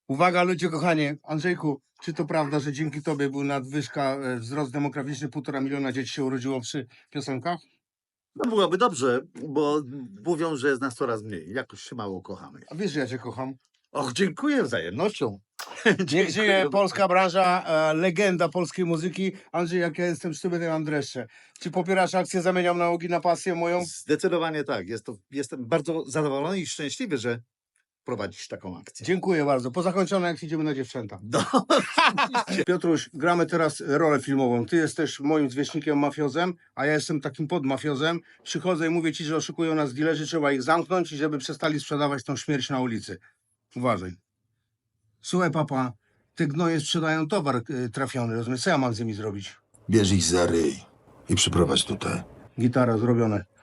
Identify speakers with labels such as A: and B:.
A: Uwaga, ludzie kochani, Andrzejku, czy to prawda, że dzięki tobie był nadwyżka, wzrost demograficzny, 1,5 miliona dzieci się urodziło przy piosenkach?
B: No byłoby dobrze, bo mówią, że jest nas coraz mniej. Jakoś się mało kochamy.
A: A wiesz, że ja cię kocham.
B: Och, dziękuję wzajemnością.
A: Niech żyje polska branża, legenda polskiej muzyki. Andrzej, jak ja jestem z tobie, to ja mam dreszcze. Czy popierasz akcję Zamieniam nałogi na pasję moją?
B: Zdecydowanie tak. Jestem bardzo zadowolony i szczęśliwy, że prowadzisz taką akcję.
A: Dziękuję bardzo. Po zakończonej akcji idziemy na dziewczęta.
B: No,
A: Piotruś, gramy teraz rolę filmową. Ty jesteś moim zwierzchnikiem mafiozem, a ja jestem takim podmafiozem. Przychodzę i mówię ci, że oszukują nas dilerzy, trzeba ich zamknąć i żeby przestali sprzedawać tą śmierć na ulicy. Uważaj. Słuchaj, papa, te gnoje sprzedają towar trafiony, rozumiesz? Co ja mam z nimi zrobić?
C: Bierz ich za ryj i przyprowadź tutaj.
A: Gitara, zrobione.